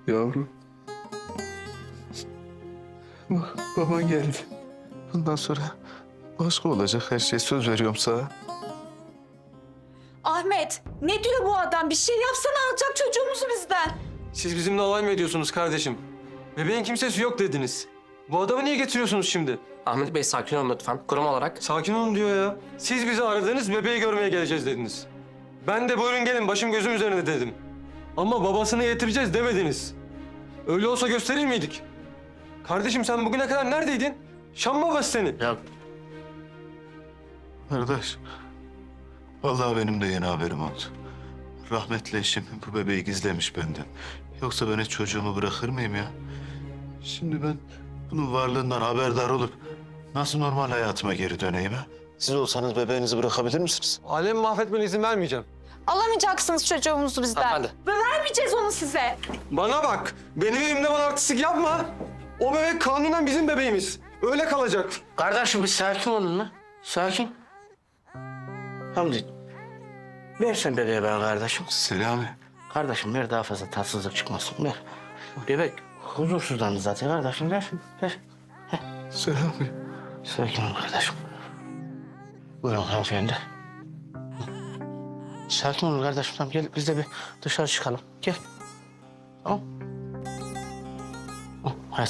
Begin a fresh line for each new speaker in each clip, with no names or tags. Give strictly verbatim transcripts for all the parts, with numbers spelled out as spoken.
Yavrum. Bak, baban geldi. Bundan sonra başka olacak her şey, söz veriyorum sana.
Ahmet, ne diyor bu adam? Bir şey yapsana, alacak çocuğumuzu bizden.
Siz bizimle alay mı ediyorsunuz kardeşim? Bebeğin kimsesi yok dediniz. Bu adamı niye getiriyorsunuz şimdi?
Ahmet Bey sakin olun lütfen. Kurum olarak.
Sakin olun diyor ya. Siz bizi aradınız, bebeği görmeye geleceğiz dediniz. Ben de buyurun gelin, başım gözüm üzerinde dedim. Ama babasını getireceğiz demediniz. Öyle olsa gösterir miydik? Kardeşim sen bugüne kadar neredeydin? Şam babası seni.
Ya
Kardeş, vallahi benim de yeni haberim oldu. Rahmetli eşim bu bebeği gizlemiş benden. Yoksa ben hiç çocuğumu bırakır mıyım ya? Şimdi ben bunun varlığından haberdar olup nasıl normal hayatıma geri döneyim ha? Siz olsanız bebeğinizi bırakabilir misiniz?
Alemi mahvetmene izin vermeyeceğim.
Alamayacaksınız çocuğumuzu bizden.
hanımefendi.
Ve vermeyeceğiz onu size.
Bana bak, benim evimde bana artistik yapma. O bebek kanunen bizim bebeğimiz. Öyle kalacak.
Kardeşim bir sakin olun lan. Sakin. Hamdi. Ver sen bebeği bana kardeşim.
Selami.
Kardeşim ver daha fazla tatsızlık çıkmasın. Ver. Bebek huzursuzlandı zaten kardeşim. Ver. Ver.
Selami.
Sakin ol kardeşim. Buyurun hanımefendi. Sakin ol kardeşim. Tamam gel biz de bir dışarı çıkalım. Gel. Tamam. Hı, hadi.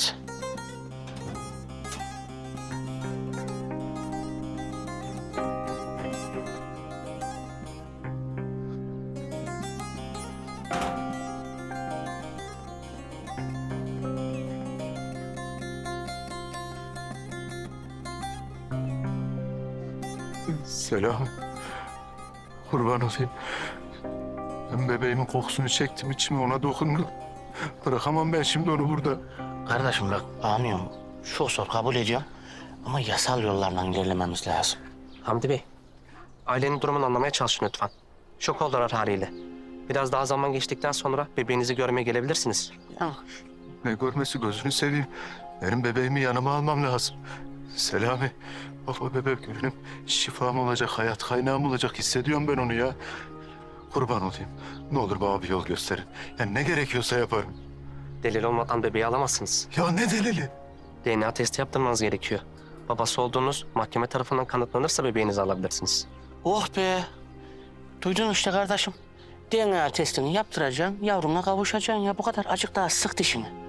Selami. Kurban olayım. Ben bebeğimin kokusunu çektim, içime ona dokundum. Bırakamam ben şimdi onu burada.
Kardeşim bak anlıyorum. Çok zor kabul ediyorum. Ama yasal yollarla ilerlememiz lazım. Hamdi Bey, ailenin durumunu anlamaya çalışın lütfen. Şok oldular haliyle. Biraz daha zaman geçtikten sonra bebeğinizi görmeye gelebilirsiniz. Ya.
Ne görmesi, gözünü seveyim. Benim bebeğimi yanıma almam lazım. Selami, bak o bebek benim şifam olacak, hayat kaynağım olacak. Hissediyorum ben onu ya. Kurban olayım. Ne olur bana bir yol gösterin. Yani ne gerekiyorsa yaparım.
Delil olmadan bebeği alamazsınız.
Ya ne delili?
D N A testi yaptırmanız gerekiyor. Babası olduğunuz mahkeme tarafından kanıtlanırsa bebeğinizi alabilirsiniz. Oh be! Duydun işte kardeşim. D N A testini yaptıracaksın, yavruna kavuşacaksın ya. Bu kadar. Acık daha sık dişini.